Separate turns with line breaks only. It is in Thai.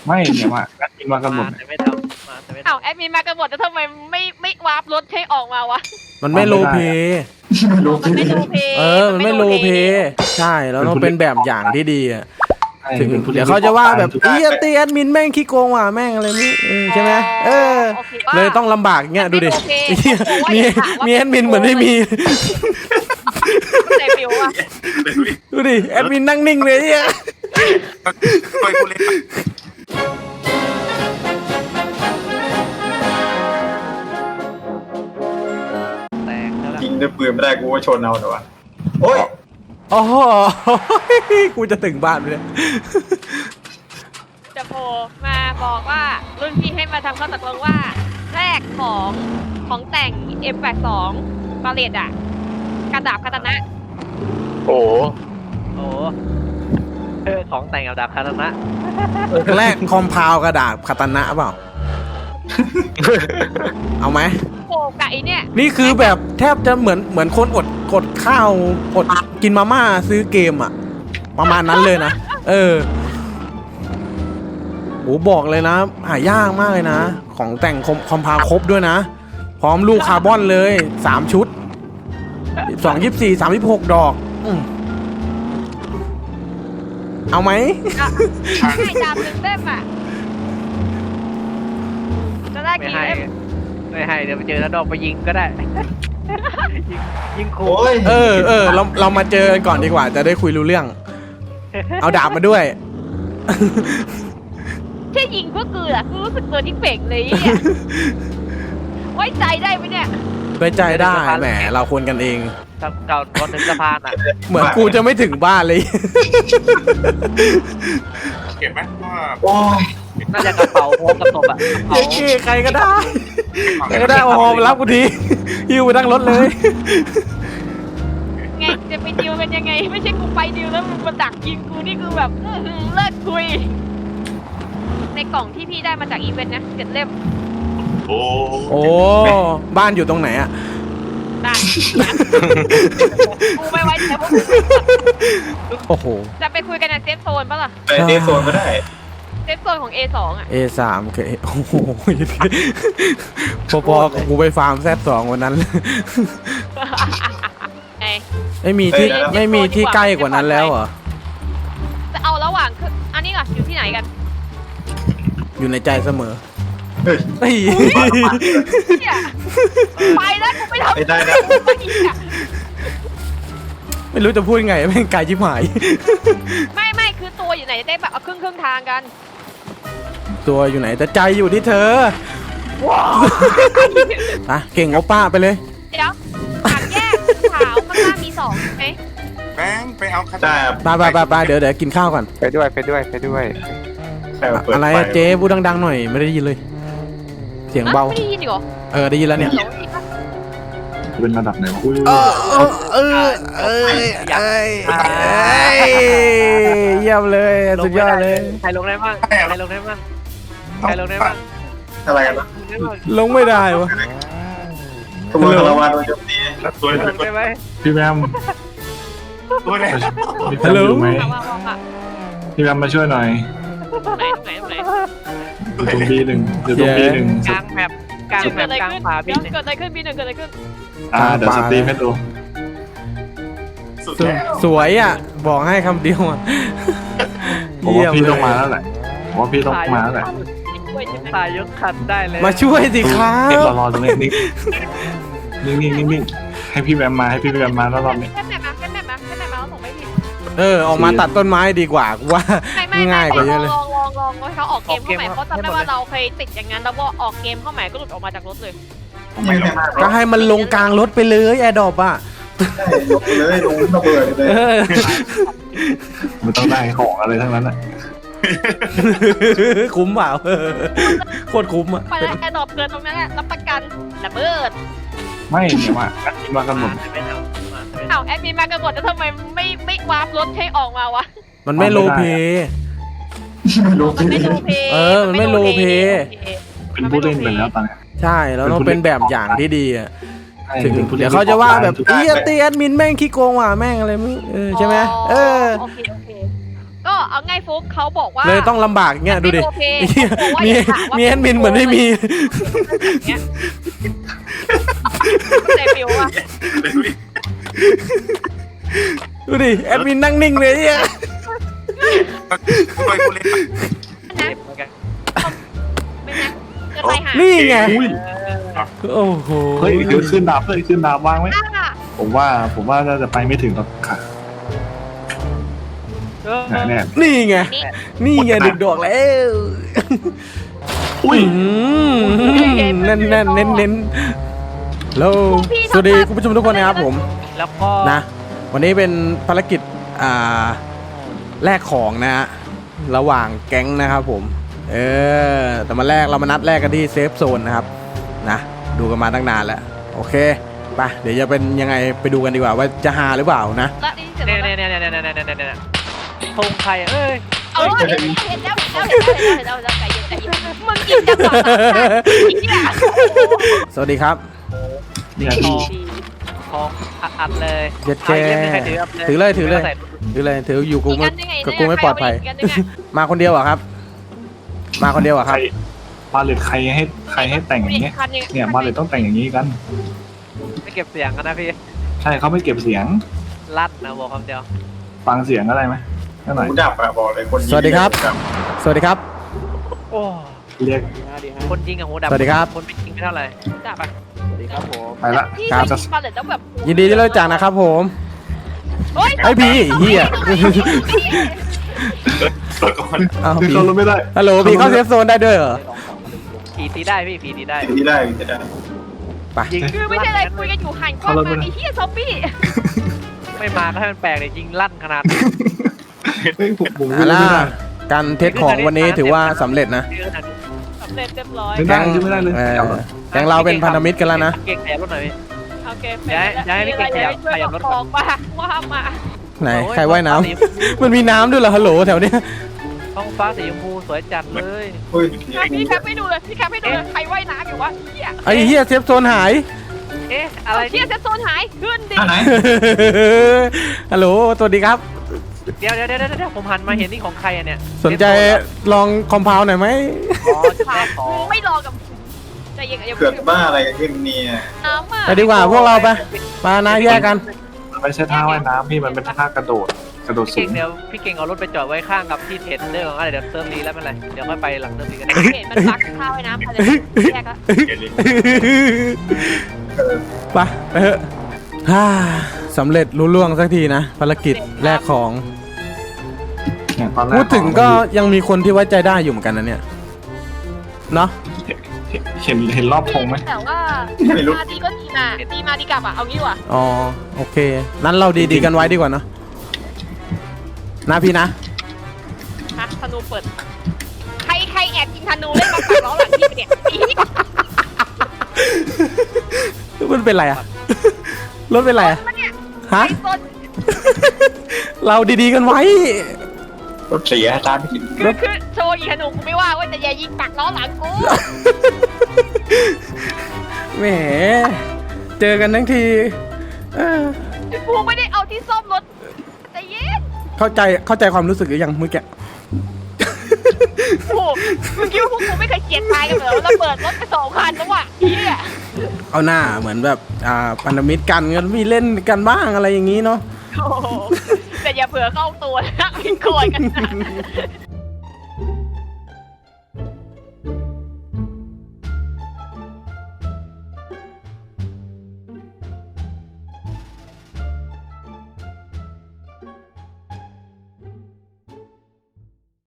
ไม่เนี่ยมาแอดมินมากันหมด
แต่ไม่ทำมาแต่ไม่
อ้าว
ทำ
แอดมินมากันหมดแต่ทำไมไม่วาร์ปรถให้ออกมาวะ
มันไม่โลเพ
มันไม่โลเพ
มันไม่โลเพใช่แล้วต้องเป็นแบบอย่างที่ดีอ่ะถึง
ป็นผู้
เดี๋ยวเขาจะว่าแบบอีตีแอดมินแม่งขี้โกงว่ะแม่งอะไรนี่ใช่ไหม
โอคว่า
เลยต้องลำบากเงี้ยดูดิ
ไม่โอเค
มีแอดมินเหมือนไม่มี
ในฟิวอะ
ดูดิแอดมินนั่งนิ่งเลยเนี่ย
ไปกูเล่น
แตกแล้วล่ะ
ยิงด้วยปืนไม่ได้กูก็ชนเอาแต่ว่าโอ้ย
โอ้โหกูจะถึงบ้านไปเลย
จะโผล่มาบอกว่ารุ่นพี่ให้มาทำข้อตกลงว่าแรกของแต่ง M82 บาเลตอะกระดาบคาตานะ
โอ้ของแต่งกับดาบคาตานะ
แรกคอมพาวกระดาษคาตานะเปล่า เอาไหม
โผล่กับไอเนี่ย
นี่คือแบบแทบจะเหมือนคนอดข้าวอดกินมาม่าซื้อเกมอ่ะ ประมาณนั้นเลยนะ โอ้บอกเลยนะ หายากมากเลยนะ ของแต่งคอมพาวครบด้วยนะ พร้อมลูกคาร์บอนเลย3ชุด2 24 36ดอกเอาไหม
ให้ดาบหนึ่งเล่มอะจะได้
ไม่
กี่
ให้
เล่ม
ไม่ให้เดี๋ยวไปเจอแล้วดอกไปยิงก็ได้ ยิงคู่
โอ้ย
เรามาเจอกันก่อนดีกว่า จะได้คุยรู้เรื่อง เอาดาบมาด้วย
แค่ยิงก็คืออะกูรู้สึกตัวที่เป่งเลยอะไว้ใจได้ไหมเนี่ย
ไว้ใจได้แหมเราควรกันเอง
ก่อนถึงสะพานอ่ะ
เหมือนกูจะไม่ถึงบ้านเลย
เก็บไหมว่า
โอ้ย
น่าจะกระเป๋าพร้อมกับศพอ่ะกระเป๋า
เย้ใครก็ได้ใครก็ได้เอาฮอมารับกูทีหิ้วไปตั้งรถเลย
ไงจะไปดิวกันยังไง ไม่ใช่กูไปดิวแล้วมึงมาดักยิงกูนี่คือแบบเลิกคุย ในกล่องที่พี่ได้มาจากอีเวนต์นะ7 เล่ม
โอ้
โอ้บ้านอยู่ตรงไหนอะ
ได้กูไม่ไว้ใจพวกมึง
โอ้โห
จะไปคุยกันในเซฟโซนปะล่ะ
ไปเดฟโซนก็ได้
เซฟโซนของ A2 อ่ะ
A3 โอเคโอ้โหพอๆกับกูไปฟาร์มZ2วันนั้น
ไง
ไม่มีที่ใกล้กว่านั้นแล้วเหรอ
จะเอาระหว่างคืออันนี้ก่อนอยู่ที่ไหนกัน
อยู่ในใจเสมอ
เฮ้ย
เฮ้ย
เนี่ยไปแล้วกูไม่ทำ
ไม่ได้นะ
ไม่รู้จะพูดยังไงแม่งไกลชิบหาย
ไม่คือตัวอยู่ไหนจะได้แบบเอาครึ่งทางกัน
ตัวอยู่ไหนแต่ใจอยู่ที่เธออ่ะเก่งโอป้าไปเลย
เดี๋ยวทางแยกขาวข้างล่างมี2ใช่ไหม
แบงค์ไปเอาคา
ได้
ไปเดี๋ยวกินข้าวก่อน
ไปด้วย
ใครมาเปิด
อะไร
ฟ
อะเจ๊พูดดังๆหน่อยไม่ได้ยินเลย เสียงเบา
ไม่ได้ยินอีกเหรอ
ได้ยินแล้วเนี่ย
เป็นระดับไหนวะ
เยี่ยมเลยสุดยอดเลย
ใครลงได้บ้างใครลงได้บ้างใครลงได้บ้าง
อะไรกันนะ
ลงไม่ได้วะ
ขโมยคาราวานโดนโจมตี
ตัว
ลงได้ไหม
พี่แบม
ตัวเนี่ย
พี่แบมอยู่ไหม
ว่า
พี่แบมมาช่วยหน่อย
ไหน
อยู่ตรง B1 อยู่ตรง B1
กลางแมปกลางแม
เกิด
ป
อะไร
กลาง
ขึ้น
ป่า
เดี๋
พี่
ยวเกิดอะไรขึ้นปีหนึ่งเกิดอะไรขึ้น
เดี๋ยวสตรีมให้ดู
สุดแล้ว
สวยอ่ะ บอกให้คำเดียวอ่ะ
ผมว่าพี่ต้องมาแล้วแหละผมว่าพี่ต้องมาแล้วแหละ
ช่วยใช่ไหม
ตายยกคันได้เลย
มาช่วยสิครับ
รอตรงนี้นิ่งให้พี่แบมมาให้พี่แบมมาแล้วรอบนี้
แค่แมปมาแล้วส่งไปพี่
ออกมาตัดต้นไม้ดีกว่ากูว่า
ไม่
ง่ายกว่าเยอะเลย
ลองให้เขาออกเกมเข้าใหม่เพราะจำได้ว่าเราเคยติดอย่างนั้นแล้วก็ออกเกมเข้าใหม่ก็หลุดออกมาจากรถเลย
ไม่ได้
ก็ให้มันลงกลางรถไปเลยแอร์ดรอปอ่ะ
ยกเลยลงระเบิดเลย
ไม่ต้องได้ของอะไรทั้งนั้นแหละ
คุ้มเปล่าโคตรคุ้มอ่ะ
ไปแล้วแอร์ดรอปเกินตรงนั้นแหละรับประกันระเบิด
ไม่เนี่ยมาแอดมินมากันหมด
แต่ไม่ทำมาแต่ไม่ทำ
อ้าวแอดมินมากันหมดแล้วทำไมไม่วาร์ปรถให้ออกมาวะ
มันไม่โลเพ
มันไม่โลเพ
มันไม่โลเพ
เป็นผู้เล่นไปแล้วตอนนี้
ใช่แล้วต้องเป็นแบบอย่างที่ดีอ่ะถึง
เป็นผู้ล่น
เดี๋ยวเขาจะว่าแบบอีตีแอดมินแม่งขี้โกงว่ะแม่งอะไรมึงใช่ไหม
โอเคก็เอาไงฟุกเขาบอกว่า
เลยต้องลำบากเงี้ยดูดิ
ไม่โอเค
เหี้ย
เขาบอกว่า
มี
อย่าถามว่า
มีแอดมินเหมือนไม่มี
เนี่ยใจฟิวอะ
ดูดิแอดมินนั่งนิ่งเลยเนี่ย
กูไปกูเล่น
นะไม่นะจะไปหา
นี่ไง
อุ้ย
โอ้โห
เฮ้ยเดี๋ยวขึ้นดาบเลยขึ้นดาบวางไหม
อ่ะ
ผมว่าน่าจะไปไม่ถึงหรอกค่ะ
เออ
แน่
นี่ไง
นี่
นี่ไงดึกดอกแล้ว
อุ้ย
แน่นแน่นเน้นเน้นแล้วสวัสดีคุณผู้ชมทุกคนนะครับผม
แล้วก็
นะวันนี้เป็นภารกิจแลกของนะฮะระหว่างแก๊งนะครับผมแต่มาเรามานัดแรกกันที่เซฟโซนนะครับนะดูกันมาตั้งนานแล้วโอเคไปเดี๋ยวจะเป็นยังไงไปดูกันดีกว่าว่าจะหาหรือเปล่านะ
แล้วนี่เสร็จ
เนี่ย
แล้ว
เนี่ยเนี่ยเนี่ยเนี่ยเนี่ยเนี่ยธงใครเอ้ย
เอาเห็นแล้วใจเย็นใจเย็นมึงกินจังหวะเนี่ย
สวัสดีครับ
เนี่ย
ท
พี่
องทองอัดเลย
เจ็ดแก
เอาอีกเล่มหนึ่งใครถือ
ถือเลยถืออยู่กูไม่กับกูไม่ปลอดภัย
กันยังไง
มาคนเดียวเหรอครับ มาคนเดียวเหรอ
ใค
ค
ร
รับ
มาเลยใครให้แต่งอย่างเงี้ยเนี่ยมาเลยต้องแต่งอย่างนี้กัน
ไม่เก็บเสียงกันนะพี่
ใช่เขาไม่เก็บเสียง
ลั่นนะบอกคำเดียว
ฟังเสียงอะไรไหมนั่นหน่อย
หูดับอะบอกเลยคนยิง
สวัสดีครับ สวัสดีครับ
โอ้
เรียก
คนยิงกับหูดับ
สวัสดีครับ
คนไม่ยิงไม่เท่าไหร่
จับ
ไปละ
ที่
ครับ
จะมาเลยต้องแบบ
ยินดีที่รู้จักนะครับผม
เฮ้ย
ไอ้พี่เฮีย
เปิดก่อน
อ้าว
คือ
พี่
เขาลงไม่ได้
ฮัลโหลพี่เข้าเซฟโซนได้ด้วยเหรอ
ผีตีได้พี่ผีตีได้
สิ่งที่ได้จะได้
ไป
ยิง
คือไม่ใช่อะไรคุยกันอยู่หันกล้องมาไอ้เหี้ยซอมบี้
ไม่มาก็ให้มันแปลกเลยยิงลั่นขนาดนี้
เฮ้ยผม
อ่า
ไม่
ล่ะ
ได้
การเทสของวันนี้ถือว่าสำเร็จนะ
สำเร็จเรียบร้อย
ไม่ได้ไม่ได้เลย
แก๊งเราเป็นพันธมิตรกันแล้วนะ
เก่งแถบรถหน่อยพี่
โอเค
ย้ายให้พี่เก่งขยับรถก่อน
บอกว่ามา
ไหนใครว่ายน้ำ มันมีน้ำด้วยเหรอฮัลโหลแถวเนี้ย
ท้องฟ้าสีชมพูสวยจัดเลย
เฮ้ย
พี่แคปให้ดูเลยพี่แคปให้ดูเลยใครว่ายน้ำอยู่วะเหี้ย
ไอ้เฮียเซฟโซนหาย
เอ๊ะอะไร
เหี้ยเซฟโซนหายขึ้นดิ
อันไหน
ฮัลโหลสวัสดีครับ
เดี๋ยวผมหันมาเห็นนี่ของใครอ่ะเนี่ย
สนใจลองคอมเพลหน่อยไหม
อ๋อจุดแรกของ
ไม่รอกับใจเย็นอย่า
เกิดบ้าอะไรกันขึ้นเนี่ย
น้ำอ่ะ
ไปดีกว่าพวกเราไปมานะแยกกัน
มันไม่ใช่ท่าว่ายน้ำพี่มันเป็นท่ากระโดดสู
พี่เก่
ง
งเดี๋ยวพี่เก่งเอารถไปจอดไว้ข้างกับที่เทรดเดอร์ของอะไรเดี๋ยวเติมรีแล้วไม่เป็นไรเดี๋ยวค่อยไปหลังเติมรีกัน
เห็นมันปักข้าวไว้น้ำอะไรแยกละ
เกลิน
ไปไปเถอะฮ่าสำเร็จรุ่ล่วงสักทีนะภารกิจแลกของ
เนี่ยตอนแรก
พูดถึงก็ยังมีคนที่ไว้ใจได้อยู่เหมือนกันนะเนี่ยเนาะ
เห็นรอบธงไหม
แต่ว่ามาดีก็ดีมาดีมาดีกลับอ่ะเอางี้ว่ะ
อ๋อโอเคนั้นเราดีๆกันไว้ดีกว่าเนาะนะพี่นะ
ฮะธนูเปิดใครแอบยิงธนูเล่นมาปักล้อหลังพี่เนี่ย
มันเป็นไรอะรถเป็นไรอะ
มันเนี่ย
ฮะ
ไอ้ต้น
เราดีๆกันไว้
รถเสียตามไม่ถึง
คือโชว์ยิงธนูกูไม่ว่าแต่อย่ายิงปักล้อหลังกู
แหมเจอกันทั้งทีเออ
กูไม่ได้เอาที่ซ่อมรถใจเย็น
เข้าใจความรู้สึกหรือยังเมื่อกี้
โอ้มึงคิดว่าพวกกูไม่เคยเกลียดตายกันเหรอระเบิดรถไป2 คันแล้วว่ะเฮีย
เอาหน้าเหมือนแบบพันธมิตรกันก็มีเล่นกันบ้างอะไรอย่างนี้เนาะ
โอ้โหแต่อย่าเผื่อเข้าตัวนะไม่โกรธกันนะ